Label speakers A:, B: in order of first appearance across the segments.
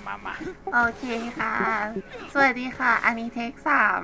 A: มา
B: โอเคค่ะ สวัสดีค่ะ อันนี้เทค3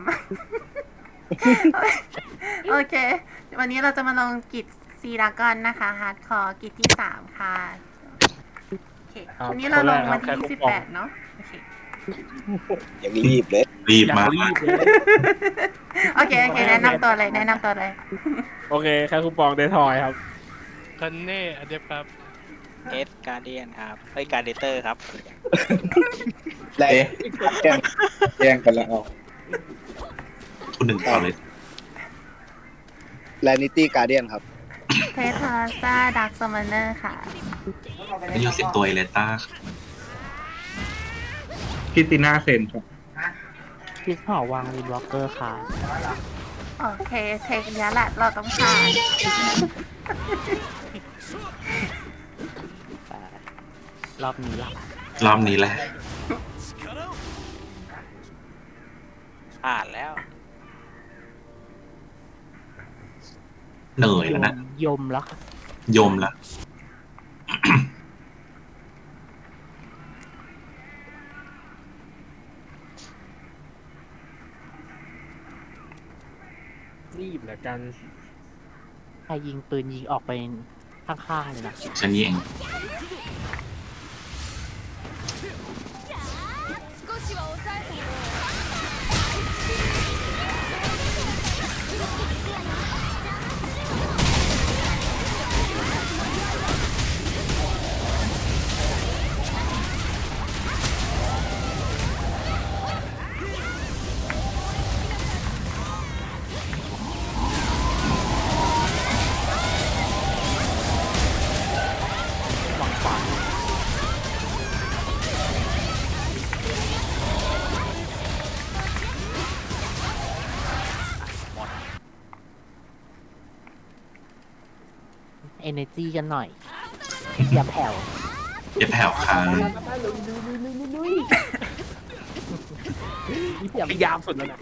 B: โอเค วันนี้เราจะมาลงกิจซีดากอนนะคะฮาร์ดคอร์กิจที่3ค่ะโอเควันนี้เราลงวันที่28เนาะโอเค
C: ยังรีบเลย
D: รีบมาก
E: รีบเลย
B: โอเคแนะนำตัวเลย
E: โอเคแค่คูปองเดทอยครับ
F: คันเน่อเดฟครับ
A: เอสการเดียนครับการเดเตอร์ครับ
C: และแย่งกันแล้วออก
D: คุณหนึ่งต่อเลย
C: แลนิตี้การเดียนครับ
B: เททาซ่าดักซัมมอนเนอร์ค่ะ
D: นี่ยูสิบตัวเอเลต้า
G: คริสติน่าเซนครับ
H: คิดหอวางวินวอล์กเกอร์ค่ะ
B: โอเคเทคเนี้ยแหละเราต้องผ่าน
H: แต่รอบนี้ล่ะ
D: รอบนี้แหละ
A: ผ่านแล้ว
D: เหนื่อยแล้วนะ
H: ยมแล้วค่ะ
D: ยมละ
E: รีบเหลือกัน
H: ใครยิงปืนยิงออกไปข้างๆเลยนะ
D: ฉันนี่เอง
H: หวังฝันเอเนจีกันหน่อย อย่าแผ่ว
D: อย่าแผ่วค้าง
E: นี่พยายามสุดแล้วนะ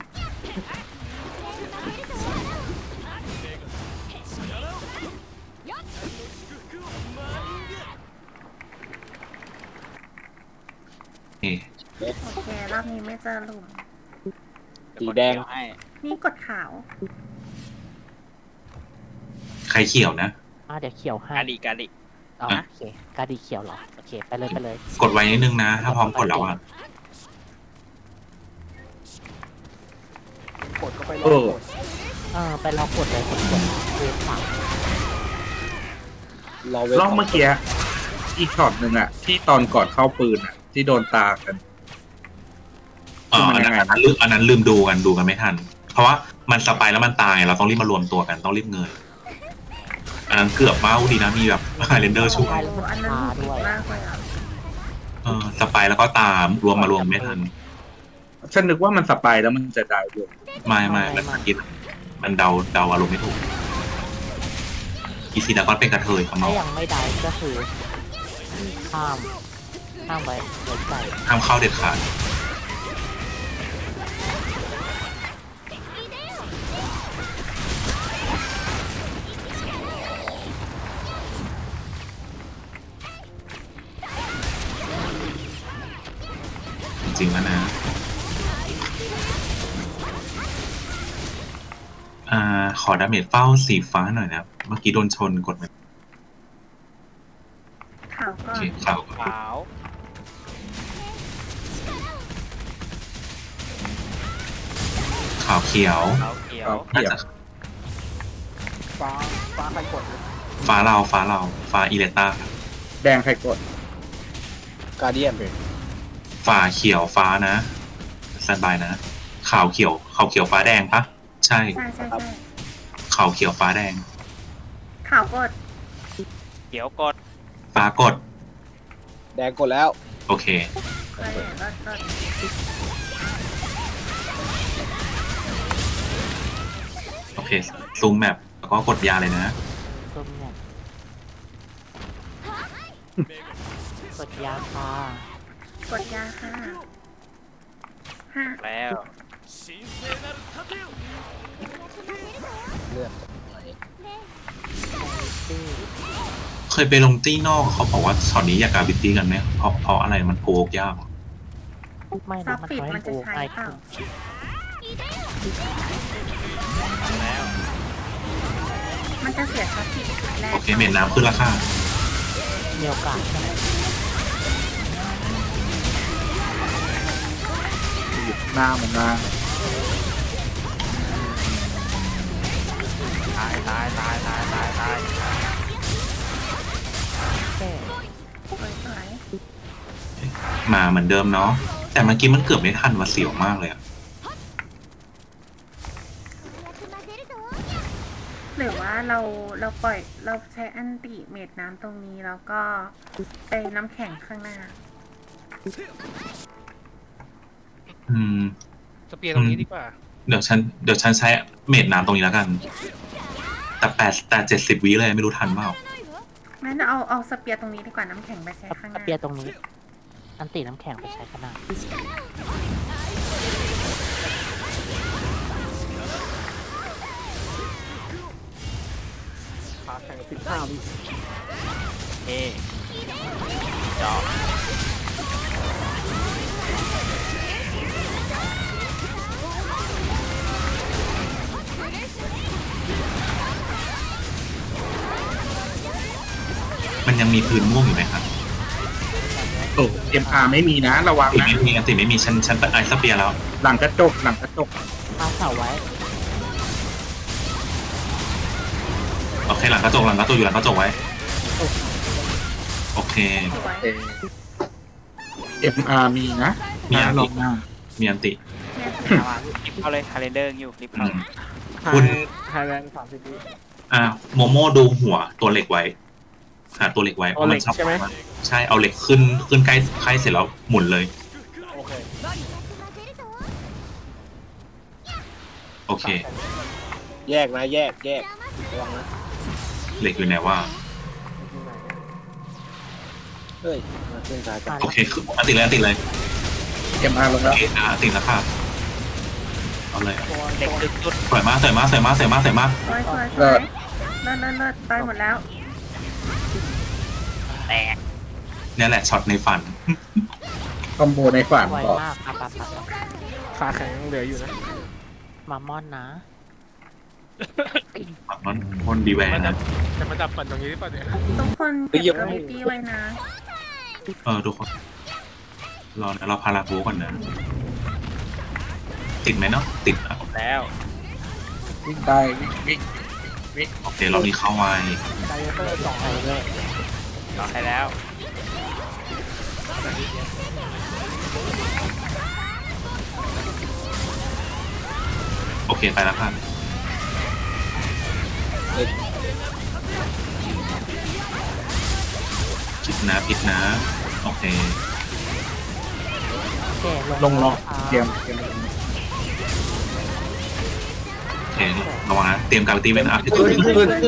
D: นี่
B: โอเครอบนี้ไม่เจอหลุม
C: สีแดง
A: ให้
B: นี่กดขาว
D: ใครเขียวนะ
H: เดี๋ยวเขียวให้
A: การดี
H: อ๋อโอเคกาดีเขียวเหรอ โอเค ไปเลย
D: กดไว้นิดนึงนะ ถ้าพร้อมกดแล้วอ่ะ
E: กดก็ไปร
G: เอ
E: อ
G: อ
H: ไปรอกดเลยกดเวฟสาม
G: รอบเมื่อกี้อีกช็อตหนึ่งอะที่ตอนก่อนเข้าปืนอะที่โดนตากัน
D: อันนั้นลืมดูกันไม่ทัน เพราะว่ามันสไปแล้วมันตายเราต้องรีบมารวมตัวกันต้องรีบเงย อันนั้นเกือบเบ้าดีนะมีแบบไฮเลนเดอร์ช่วย
B: โอ้อันนั้นหนุกมากเลยอ่ะ
D: สไปแล้วก็ตามมารวมไม่ทัน
G: ฉันนึกว่ามันสไปายแล้วมันจะได้ด้วย
D: ไม่แล้วคิดมันเดาอารมณ์ไม่ถูกอีซีดากอนเป็นกระเทยข้างน
H: ถ้า
D: อก
H: ยังไม่ได้ก็คือข้ามไปไว้ใจ
D: ห้ามเข้าเด็ดขาดจริงๆแล้วนะ ขอดาเมจเฝ้าสีฟ้าหน่อยนะ เมื่อกี้โดนชนกดไป
B: ขาว
D: โอ
B: ก่อ
D: เคน ข่าว
A: ขาว
D: ข่าวเขียว
A: ขาวเขียว
D: น่าจะ
E: ฟ้าใครกดเลย
D: ฟ้าอีเลต้า
G: แดงใครกด
C: การเดียน
D: ฟ้าเขียวฟ้านะสบายนะข่าวเขียวฟ้าแดงปะใช่
B: ใช่
D: ข่าวเขียวฟ้าแดง
B: ขาวกด
A: เขียวกด
D: ฟ้ากด
C: แดงกดแล้ว
D: โอเค
B: เคยเห็นแล้วก็
D: โอเค ซูมแมปแล้วก็กดยาเลยนะ
H: ส้มเนี่ยกดยาค่ะ
B: กดยาค่ะ5
A: แล้ว
C: เลือด
D: เคยไปลงตี้นอกเขาบอกว่าช็อตนี้อยากการบิตตี้กันไหมเพราะอะไรมันโกกยาก
H: ไม่
B: ซั
H: นะ
B: บ
H: มัน
B: ฟิก
H: ทำให้
B: มันจะ
H: โอ้
B: ใช้
H: ง่าย
B: เปล่า
H: ขึ้น
A: แล้ว
B: มันจะเสียซับฟิกแรก
D: โอเคเมนน้ำขึ้นราคา
H: มีโอกาสใช่ไหม
G: หยิบหน้ามันมา
A: ตายตายตายตายตายตาย
H: แค่
B: สวย
D: มาเหมือนเดิมเนาะแต่เมื่อกี้มันเกือบไม่ทันว่าเสียวมากเลยอะ
B: ๆหรือว่าเราปล่อยเราใช้อันติเมดน้ำตรงนี้แล้วก็ไปน้ำแข็งข้างหน้า
D: อืม
F: สเปียร์ตรงนี้ดีกว่า
D: เดี๋ยวฉันใช้เมดน้ำตรงนี้แล้วกัน แต่70 วิเลยไม่รู้ทันเปล่า
B: งั้นเอาสเปียร์ตรงนี้ดีกว่าน้ำแข็งไปใช้ข้างห
H: ส
B: น้า
H: เปียร์ตรงนี้ อันตีน้ำแข็งไปใช้ขนาด
E: ขาแข็ง15 วิ
A: เฮ้จอ
D: มันยังมีพื้นม่วงอยู่ไหมครับ
G: โอ้MR ไม่มีนะระวัง
D: ติ
G: นะ
D: ไม่มีติไม่มีฉันไอสเปียร์แล้ว
G: หลังกระจกหลังกระจก
H: เอาเสาไว้
D: โอเคหลังกระจกอยู่หลังกระจกไว้ โอเค
B: สวย
G: MR มีนะ
D: มีอัน
G: ล
D: ติ
G: งหน้า
D: มีอันติ
B: เนี่ย
A: เอามารีบเข้าเลยคาเลนเดอร์อยู่รีบ
D: อื
A: เข้าม
D: คุณ
E: ไฮแลนด์30 วิ
D: โมโม่ดูหัวตัวเหล็กไว้หาตัวเหล็กไว้
E: เอาเหล็ก
D: พราะน
E: ใช่ไหม
D: ใช่เอาเหล็กขึ้นใกล้เสร็จแล้วหมุนเลย
E: โอเค
D: โอเค
E: แยกนะแยกระวังนะ
D: เหล็กอยู่ไหนว่า
E: เฮ้ยมาขึ้นซ้ายกัน
D: โอเคคืออันติเลย
G: MR ลง
D: โอ
G: แล้ว
D: เคติดแล้วค่ะเอาเลย
A: เด็กดึกสุด
D: สวยมาก
B: สวยเลิศไปหมดแล้ว
A: แตก
D: เนี่ยแหละช็อตในฝัน
G: คอมโบในฝัน
H: ไว
G: บอก
H: มากครับ
E: ขาแข็งเหลืออยู่นะ
H: มามอนนะ
D: ฝั่งนั้นคนดีแวร์
F: มันดั
D: นะ
F: บจะมาดับฝันตรงนี้หรือเปล่าเนี่ย
B: ทุกคนเก็บกราฟิตี้ไว้นะ
D: ทุกคนรอนะเราพาราโบก่อนนะ ติดไหมเนาะติดอ่ะ
A: แล้ว
G: วิ่งได้วิ่ง
D: โอเคเรามีเข้าไว้
E: ไดเตอร์สอง
H: ไปเลย
A: รอให้แล้ว
D: โอเคไปแล้วค่ะผิดนะ โอเค
H: แค่
G: ลงเตรียม
D: โอเคระวังนะเตรียมการตีไว้นะ
G: ขึ้น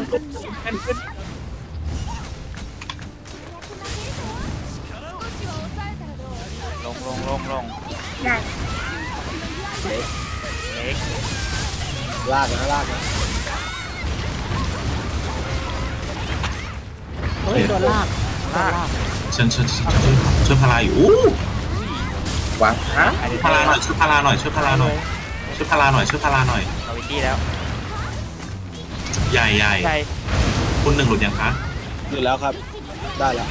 A: ลง
B: ใหญ่
A: เล็ก
E: ลากนะ
H: เฮ้ยตัวลาก
D: ฉันช่วยพาราอยู่อู้
G: วางฮะ
D: พาราหน่อยช่วยพาราหน่อย
A: เอาวิตี้แล้ว
D: ใหญ่
A: ใช่
D: คุณหนึ่งหลุดยังคะ
E: อยู่แล้วครับ ได้แล้ว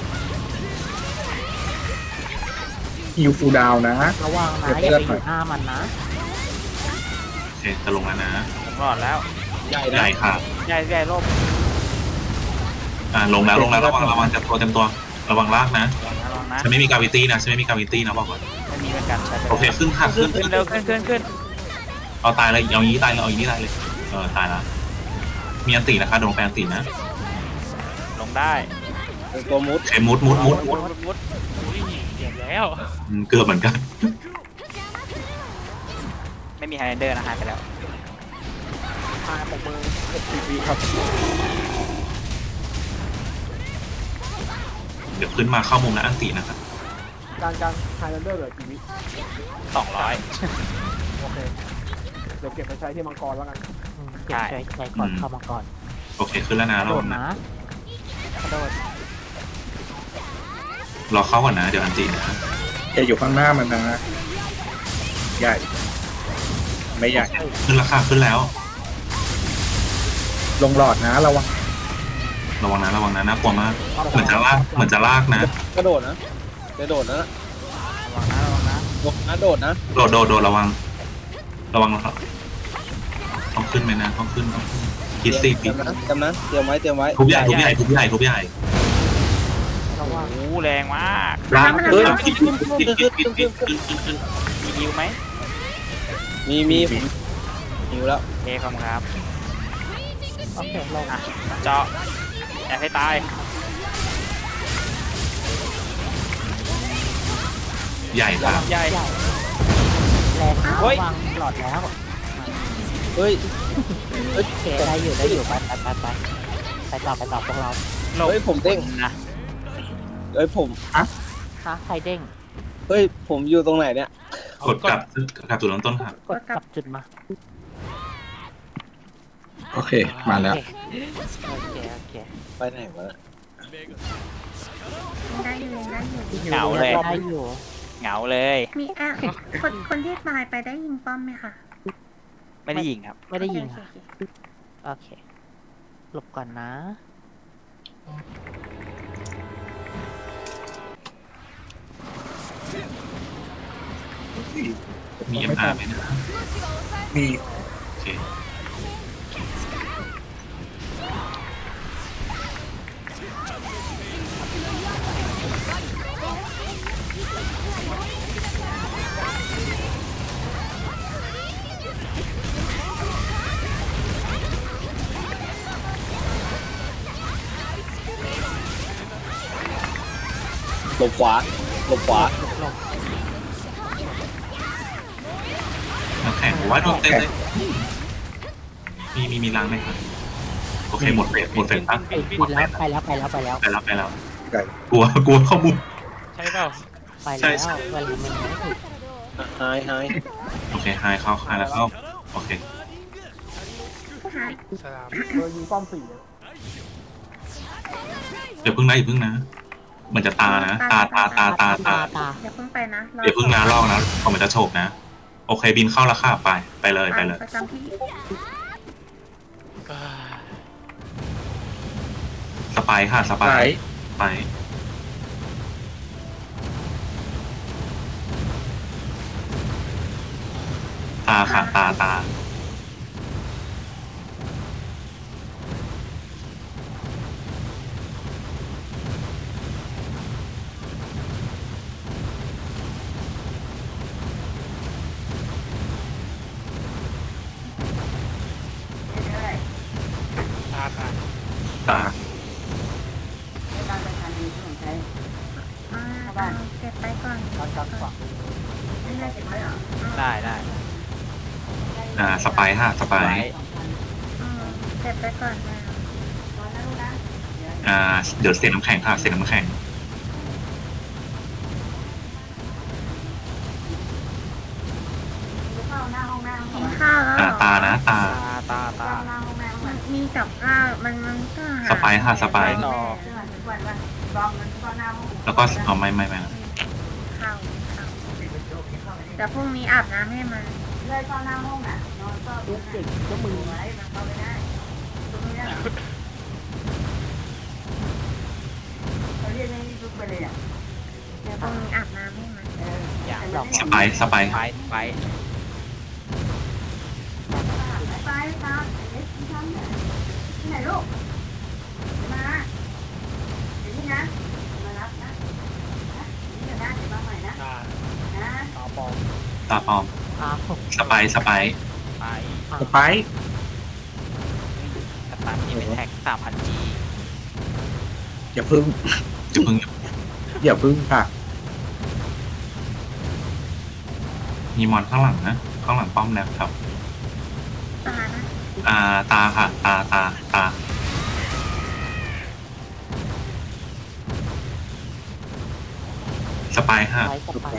G: ฮิวฟูดาวนะ
H: ระวังนะอย่าไปอยู่หน้ามันนะ
D: โอเคจะลงแล้วนะ
A: ผมรอดแล้ว
E: ใหญ่
D: ใหญ่ค่ะ
A: ใหญ่ร่ม
D: ลงแล้วระวังเต็มตัวระวังลากนะ
A: ลองนะ
D: ฉันไม่มีกาวิตี้นะบอกก่อน
A: ไม่มีเหมือนกันใช่
D: โอเคขึ้นค่ะขึ้น
A: ขึ้นเร็วขึ้น
D: เอาตายเลยเอาอย่างนี้ตายเลยตายแล้วมีอันตีนะคะโดนแปลอันตีนะ
A: ลงได้
E: เป็นตัวมุด
D: โอเคมุด
A: มุด
F: อุ้ยเดี๋ยวแล้ว
D: เกือบเหมือนกัน
A: ไม่มีไฮแลนเดอร์นะหายไปแล้ว
E: พาปกมือ60 วิครับ
D: เดี๋ยวขึ้นมาเข้ามุมนะอันตีนะครับ
E: การไฮแลนเดอร์เหลือกี่วิ
A: 200
E: โอเค เดี๋ยวเก็บไปใช้ที่มังกรแล้วกัน
H: เก็บใช้ก่อนเข้ามาก่อน
D: โอเคขึ้นแล้วนะ
H: กระ
D: ระ
H: โด
D: วั
H: ด
D: งนะ
H: นะกระโดด
D: รอเข้าก่อนนะเดี๋ยวอันตีนะ
G: อย่าอยู่ข้างหน้ามันนะ ใหญ่ ไม่ใหญ่
D: ขึ้นราคาขึ้นแล้ว
G: ลงหลอดนะระวัง
D: ระวังนะระวังนะน่ากลัวมาก เหมือนจะลากนะ
E: กระโดดนะกระโดดนะ
H: ระวังนะระวังนะ
E: โดดนะ
D: โดดระวังนะครับต้องขึ้นไหมนะต้องขึ้นคิดสิ
E: เตรียมนะเตรียมไว้
D: ทุบใหญ่ทุบใหญ่
H: ระวัง
A: โอ้แรงมาก
D: ลาก
E: เฮ้ย
D: ขึ้น
A: มีฮิวไหม
E: มีหิวแล้ว
A: โอเคขอบคุณครับ
H: โอเคลง
A: อ่ะเจาะอย่าให้ตาย
D: ใหญ่ครับ
A: ใหญ่
H: ใหญ่แรงนะ
A: เฮ้
H: ระ
A: ย
H: วังหลอดแล้ว
E: เฮ้ย
H: โอเคได้อยู่ไปต่อพวกเรา
A: หลบ
E: เฮ้ยผมเด้ง
A: นะ
E: เฮ้ยผม
H: คะใครเด้ง
E: เฮ้ยผมอยู่ตรงไหนเนี่ย
D: กดกลับจุดเริ่มต้นค่ะ
H: กดกลับจุดมา
G: โอเค มาแล้ว
H: โอเค
E: ไปไหนวะ
B: ได้อยู่ได้อยู่
A: เหงาเลย
H: ได้อยู่
A: เหงาเลย
B: มีคนที่ตายไปได้ยิงป้อมไหมคะ
A: ไม่ได้ยิงครับ
H: ไม่ได้ยิง
B: โอ
H: ค่ะ
B: เค
H: โอเคหลบก่อนนะ
D: มี MR ไหมนะ
G: มี
D: โอเค
E: หลบขวา
H: หลบ
D: น้ำแข็งผมว่าโดนเต็มเลยมีล้างไหมครับโอเคหมดเฟสตั้ง
H: บินแล้วไปแล้ว
D: ไปแล้ว
G: ไก่
D: กลัวข้อมูล
F: ใช่เปล่า
H: ไป
D: ใช่
H: แล้ว
D: ใช่
H: เวลามันไม่ถึง
E: ไฮ
D: โอเคไฮเข้าแล้วเข้าโอเค
B: หาย
F: สลาม
D: เดี๋ยวพึ่งนะเหมือนจะตานะตา
B: อย่าเพิ่งไปนะ
D: เดี๋ยวพึ่งนะลอกนะพอมันจะโฉบนะโอเคบินเข้าแล้วค่ะไปเลย
B: ประจำที่
D: สไปค่ะสไป
G: ไก่
D: ตาค่ะตาตา
B: เก็บไปก่อน
A: ได้
D: สไปค่ะสไป
B: เก็บไปก่อนนะ
D: เดี๋ยวเสียน้ำแข็งค่ะเสียน้ำแข็ง
B: กินข้าวแล้วเหรอ
D: ตานะตา
A: ตา
B: มีกับข้าวมันก็หา
D: สไปค่ะสไป
A: ต่อ
D: แล้วก็เอาไม่
B: ข้าวเดี๋ยวพรุ่งนี้อาบน้ำให้มัน เดี๋ยวพรุ่งนี้อาบน้ำให้มัน
A: อย่าง
D: สไป
A: ไป
F: ตา
D: ตาปอม
H: อ้าว
D: สไป
G: สไป
A: สตาร์ทที่เป็นแท็ก 3,000G
G: อย่าพึ่ง
D: จะพึ่ง
G: อย่าพึ่งค่ะ
D: มีมอนข้างหลังนะข้างหลังป้อมนะครับ
B: ตานะ
D: ตาค่ะตาสไปค่ะ
H: ไว้สบาย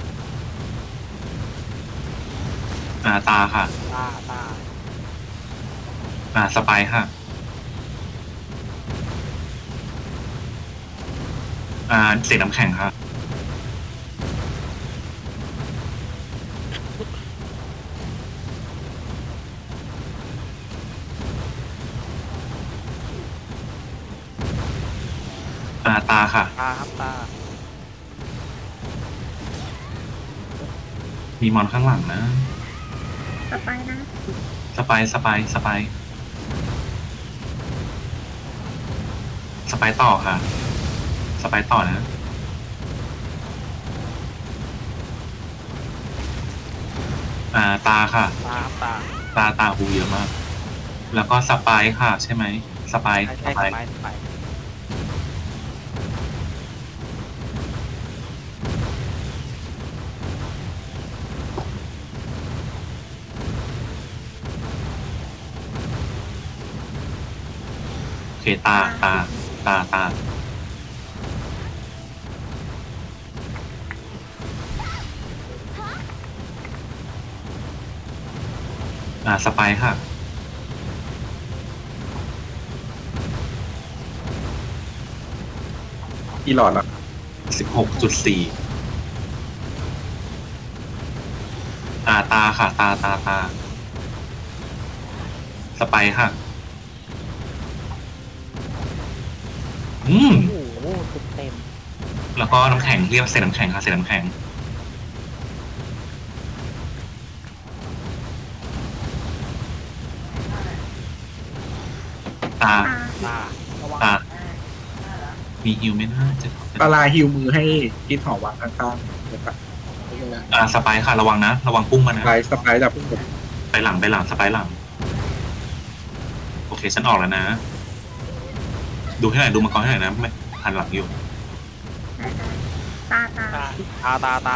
D: ตาค่ะ
A: ตา
D: สไปร์ค่ะเศษน้ำแข็งค่ะตาค่ะ
E: ตาครับตา
D: มีมอนข้างหลังนะ
B: สไปนะ
D: สไปร์ต่อค่ะ สไปร์ต่อนะตาค่ะ
E: ตาครับตา
D: ตาหูเยอะมาก แล้วก็สไปร์ค่ะ ใช่ไหมสไปร์
E: ใช่สไป
D: โอเคตาสไปร์ค่ะ
G: อีหลอดละ
D: 16.4ตาค่ะตาสไปร์ค่ะ
H: โอ้โหเต็ม
D: แล้วก็น้ำแข็งเรียกเศษน้ำแข็งค่ะเศษน้ำแข็งตา
E: ตา
D: ตามีฮิวไหมนะจะ
G: ปลาฮิวมือให้คิดหอวังข้างๆเลยครับ
D: สไปร์ค่ะระวังนะระวังพุ่งมานะ
G: สไปร์ดับพุ่ง
D: ไปหลังสไปร์หลังโอเคฉันออกแล้วนะ ดูให้หน่อยดูมังกรให้หน่อยนะไม่หันหลังอยู่
B: ตา
E: ตา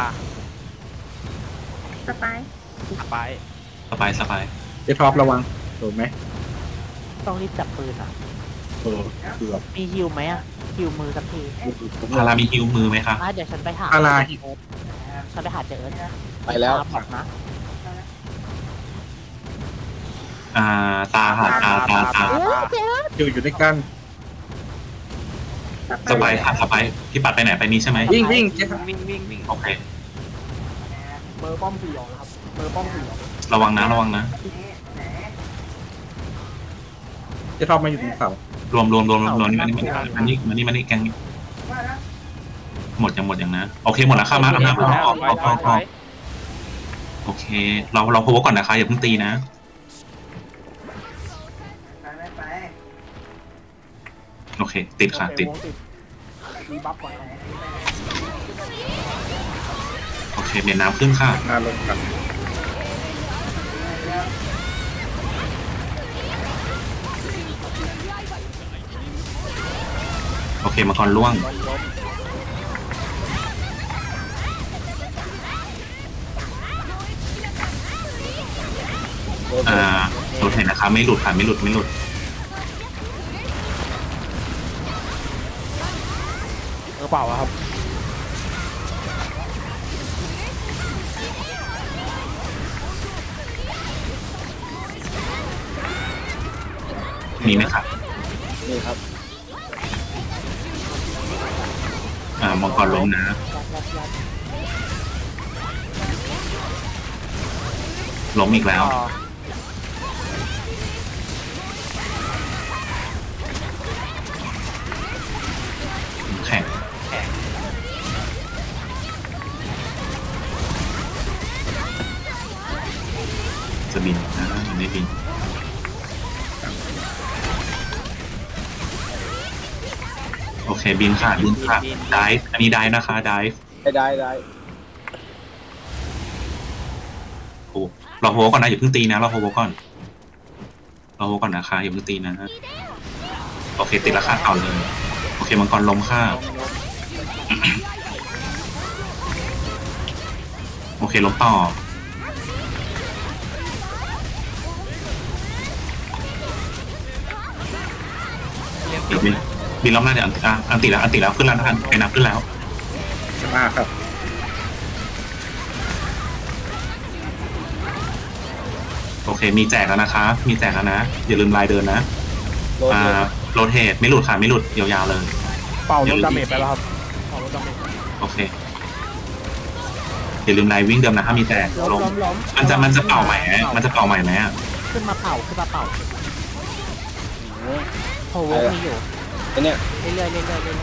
B: สไป
E: สไป
D: สไปร์
G: เจท็อประวังโดนไหม
H: ต้องรีบจับปืนอ่ะ
G: เกือบ
H: มีฮิวไหมอ่ะฮิวมือสักที
D: พารามีฮิวมือไหมคะ
H: เดี๋ยวฉันไปหา
G: ปลา
H: ฉันไปหาเจอ
C: ไปแล้ว
H: บอกนะ
D: ตาค่ะตา
G: อยู่ด้วยกัน
D: สไปร์ค่ะสไปร์พี่ปัดไปไหนไปนี้ใช่ไหม
G: วิ่งเจท็อป
E: วิ่ง
D: โอเค
E: เบอร์ป้อม4ออกนะครับเบอร์ป้อม4ออก
D: ระวังนะ
G: เจท็อปมาอยู่ตรงเสาร
D: วมนี่แกงนี่หมดยังนะโอเคหมดแล้วค่ะมาออกโอเคเราโพสก่อนนะคะอย่าเพิ่งตีนะโอเคติดค่ะติด
E: มีบัฟก่อน
D: โอเคเมียนน้ำขึ้นค่ะ
G: หน้าลงกัน
D: โอเคมังกรล่วงหลุดเห็นนะคะไม่หลุดค่ะไม่หลุด
E: เปล่าครับ
D: มีไหมคะ
C: นี่ครับ
D: มังกรล้มนะล้มอีกแล้วแข็งจะบินนะมันไม่บินโอเคบินค่ะได้อันนี้ได้นะคะได้
C: ได้
D: โอ้เราโฮก่อนนะอย่าเพิ่งตีนะเราโฮก่อนนะคะอย่าเพิ่งตีนะโอเคติดราคาต่อเลยโอเคมังกรล้มค่ะโอเคล้มต่อเดี๋ยวบินรอบหน้าเดี๋ยวอันติแล้วขึ้นแล้วนะครับไปนับขึ้นแล้ว
G: มากครับ
D: โอเคมีแจกแล้วนะคะมีแจกแล้วนะอย่าลืมลายเดินนะ
E: โดน
D: โรเทตไม่หลุดค่ะไม่หลุดยาวๆเลย
E: เป่าลดดาเมจไปแล้วครับเป่าลดดาเมจ
D: โอเคอย่าลืมลายวิ่งเดิมนะถ้ามีแจก
H: ล้ม
D: มันจะเป่าใหม่ไหมมันจะเป่าใหม่ไหมอะ
H: ขึ้นมาเป่าโอ้โหมีอยู่
E: ไอ้เนี่ย
H: เรื่อยๆ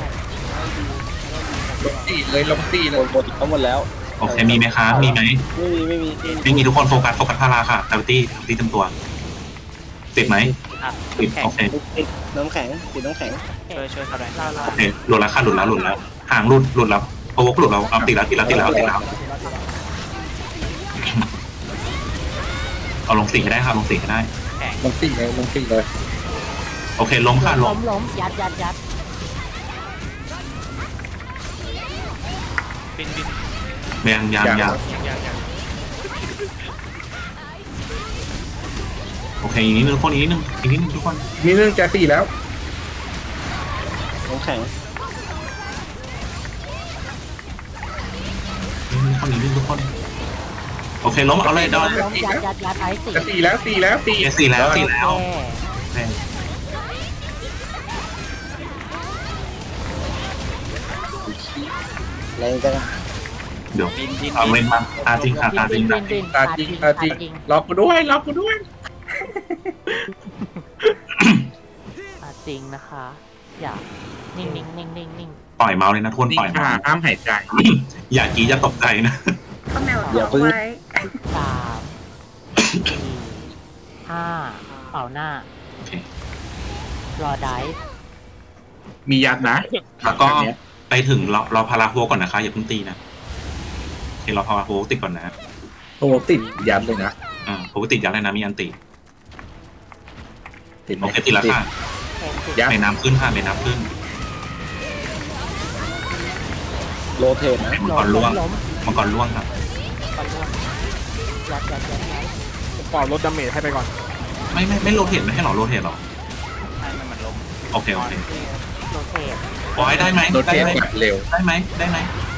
G: ลงตีเลยลงตีเล
E: หม
G: ย
E: ดทั้งหมดแล้ว
D: โอเคมีไหมคะมีไหม
E: ไม่มี
D: ไม่มีทุกคนโฟกัสพาราค่ะดาวิตี้เต็มตัวติดไหมติดโอเค
E: ติดน้ำแข็งติดน้ำแข็ง
A: ช่วยเขาหน่อย
D: โอเคหลุดแล้วค่ะหลุดแล้วห่างหลุดแล้วโอ้โหหลุดแล้วเอาติดแล้วเอาลงสี่ให้ได้ค่ะลงสี่ให้ได้
C: ลงตีเลย
D: โอเคล้มค่ะล้ม
H: ล้มยัด
F: บิน
D: ยังโอเคอีกนิดนึงทุกคนอีกนิดนึงทุกคน
G: มีเรื่องจะตีแล้ว
E: น้ำแข็ง
D: อีกนิดนึงทุกคนโอเคล้มเอาเลยดอน
H: ล้มยัดไอ้สี่
G: จะตีแล้วตีแล้วตี
D: สี่แล้ว
E: แรงจัง
D: เดี๋ยวเอาเล่นมาตาจริงค่ะตาจริง
G: ตาจริงล็อกกูด้วย
H: จริงนะคะ อย่านิ่ง
D: ปล่อยเมาส์เลยนะทุกคน
G: ตี
D: ปล่อยเมา
G: ขา
D: ส์
G: ห้ามหายใจ
D: อย่ากรี๊ดอย่าตกใจนะ
B: ข้าวแมวท้องไว้
H: 3 4 5เป่าหน้า
D: โอเค
H: รอได้
G: มียัดนะ
D: แล้วก็ไปถึงเราพาราโฮก่อนนะคะอย่าเพิ่งตีนะโอเคเราพาราโฮติดก่อนนะ
G: โอ้ติดยัดเลยนะ
D: โฮติดยัดเลยนะมีอันติ
G: ติดไหม
D: โอเคติดแล้วค่ะ
G: ยัด
D: เมน้ำขึ้นค่ะเมน้ำขึ้น
E: โรเทตนะ
D: มังกรล่วง
H: ล้ม
D: มังกรล่วงครับ
H: ยัด
E: ผมเป่าลดดาเมจให้ไปก่อน
D: ไม่โรเทตไม่ให้หรอโรเทตหรอ
A: ให้มันล้ม
D: โอเค
H: โรเทต
D: ปล่อยได้ไหม
G: โดนเทปแบบเร็ว
D: ได้ไหมนะ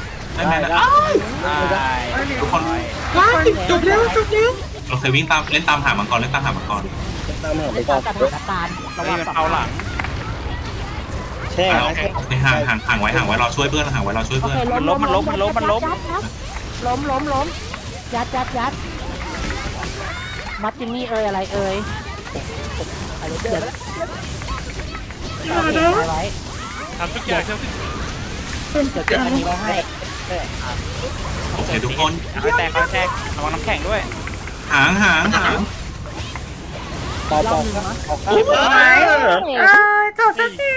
A: ได้
D: ทุกคน
G: จบแล้ว
D: โอเควิ่งตามเล่นตามหามังกร
E: ตามหา
H: ใน
E: ไปก่อน
H: สถานการณ์ระ
A: เฮ้
H: วั
A: ย
H: ง
A: มันเอาหลัง
E: แช่
D: โอ
E: นะ
D: เค
E: แช่
D: โอเคห่างไว้เราช่วยเพื่อนห่างไว้เราช่วย
H: โอ
D: เพื่อน
H: เคล้มยัดมัดจิมมี่อะไรเดี๋ยวไว้
F: ทำทุกอย่างเท่าที่
H: เดี๋ยวเก็บอันนี้ไว้ให้
D: โอเคทุกคน
A: ค่อยแตกระวังน้ำแข็งด้วย
D: ห่าง
E: เป่าร
H: อบนึงนะ
B: จบสักที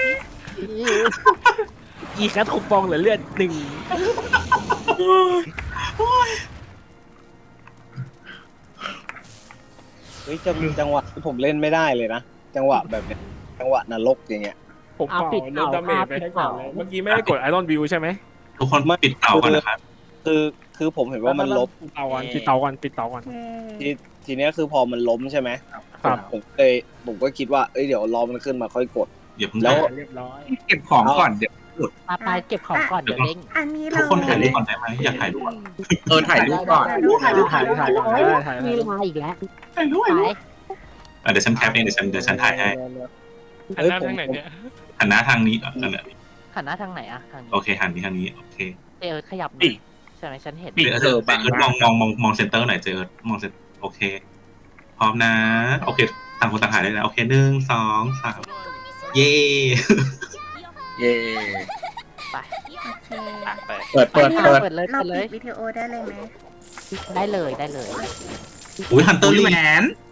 E: อีกแค่ถูกปองเหลือเลือด1เฮ้ยจังหวะที่ผมเล่นไม่ได้เลยนะจังหวะแบบเนี้ยจังหวะนรกอย่างเงี้ย
I: ผมเป่าลดดาเมจไปให้ก่อนเลยเมื่อกี้ไม่ได้กดไอรอนวิวใช่ไหม
D: ทุกคนปิดเตาก่อนนะครับ
E: คือผมเห็นว่ามันล้ม
I: ปิดเตาก่อนปิดเตาก่อน
E: ทีเนี้ยคือพอมันล้มใช่ไหม
I: ครับ
E: ผมก็คิดว่าเดี๋ยวรอมันขึ้นมาค่อยกด
D: อย่าเพิ่ง
E: แล้ว
I: เรียบร้อย
G: เก็บของก่อนเดี๋ยว
H: ไปเก็บของก่อนเดี๋ยวเด้ง
B: อันนี้
D: ทุ
B: เรา
D: กคนถ่ายรูปก่อนได้ไหมอยากถ่ายรูป
G: ถ่ายรูปก่อน
I: ถ่ายก่อนได้
H: มีมาอีกแล้ว
D: ถ่ายรูป
H: ไป
D: เดี๋ยวฉันแคปเองเดี๋ยวฉันถ่ายให้
F: หันหน้าทางไหนเนี่ย
D: หันหน้าทางนี้นั่นแหละ
H: หันหน้าทางไหนอะทางนี้
D: โอเคหันนี้ทางนี้โอเค
H: ขยับใช่ไหมฉันเห็น
G: ปีกเธอบาง
D: มองเซนเตอร์หน่อยเจอมองเซนโอเคพร้อมนะโอเคต่างคนต่างถ่ายได้แล้วโอเค1 2 3เย่
G: เย่
B: โอเค
G: เปิด
H: เปิดเลย
B: เราปิดวิดีโอได้เลยไหม
H: ได้เลย
D: อุ้ยฮันเตอร์
G: อุ้ย
D: ลี
G: แหวน